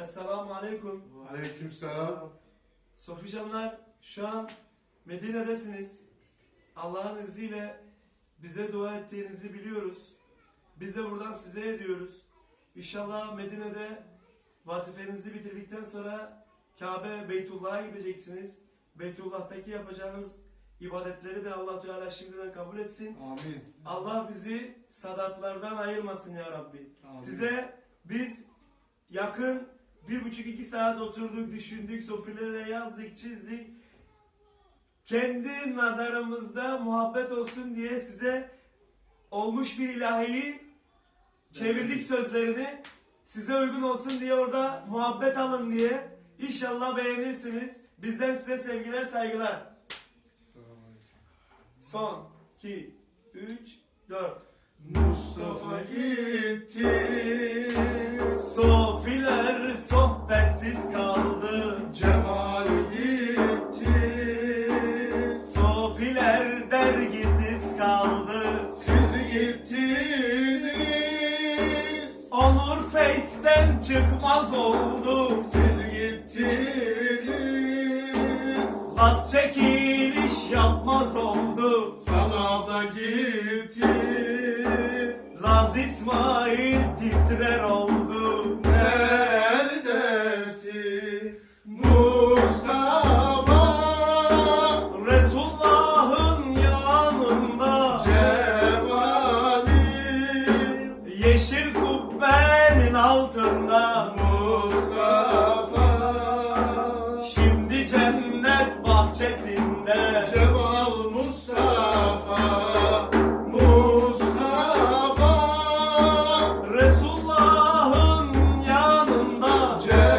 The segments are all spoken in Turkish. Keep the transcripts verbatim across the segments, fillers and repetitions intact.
Esselamu Aleyküm. Aleykümselam. Soficanlar, şu an Medine'desiniz. Allah'ın izniyle bize dua ettiğinizi biliyoruz. Biz de buradan size ediyoruz. İnşallah Medine'de vazifenizi bitirdikten sonra Kabe, Beytullah'a gideceksiniz. Beytullah'taki yapacağınız ibadetleri de Allah Teala şimdiden kabul etsin. Amin. Allah bizi sadatlardan ayırmasın ya Rabbi. Amin. Size biz yakın bir buçuk iki saat oturduk, düşündük, sofralara yazdık, çizdik. Kendi nazarımızda muhabbet olsun diye size olmuş bir ilahiyi çevirdik sözlerini. Size uygun olsun diye orada muhabbet alın diye. İnşallah beğenirsiniz. Bizden size sevgiler, saygılar. Son, iki, üç, dört. Mustafa gitti, Sofiler sohbetsiz kaldı. Cemal gitti, Sofiler dergisiz kaldı. siz gittiniz, Onur Face'den çıkmaz oldu. siz gittiniz, Az çekiliş yapmaz oldu. sana da gitti, Laz İsmail titrer oldu. neredesin Mustafa, Resulullah'ın yanında, Cemal'im, yeşil kubbenin altında. Mustafa, Şimdi cennet bahçesinde. Cemal Mustafa, Mustafa, Resulullah'ın yanında,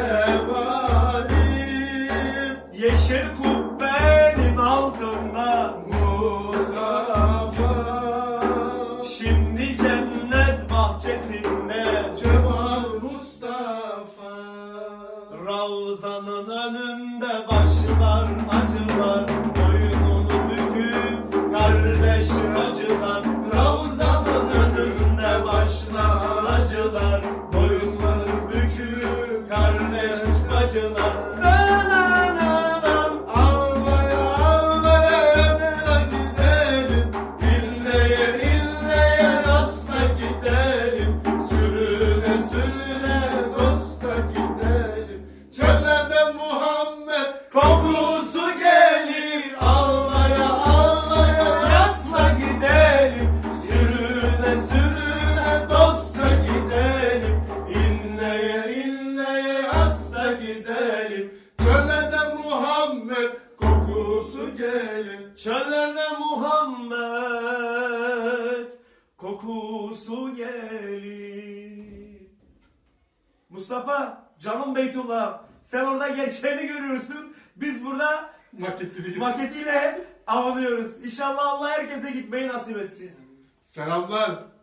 Cemal'im, yeşil kubbenin altında. Mustafa, Şimdi cennet bahçesinde. Cemal Mustafa. Ravzanın önünde başlar acılar, boynunu büküp kardeş acılar. Ravzanın önünde başlar acılar, boynunu büküp kardeş acılar. Nananam. Ağlaya ağlaya yasla gidelim, illeye illeye yasla gidelim, sürüne sürüne dosta gidelim. Çöllerde Muhammed Kokusu gelir, ağlaya ağlaya yasla gidelim, sürüne sürüne dosta gidelim, inleye inleye hasta gidelim. çöllerde Muhammed kokusu gelir. Çöllerde Muhammed kokusu gelir. Mustafa, canım Beytullah, sen orada gerçeğini görüyorsun. Biz burada Maketini maketiyle avunuyoruz. İnşallah Allah herkese gitmeyi nasip etsin. Selamlar.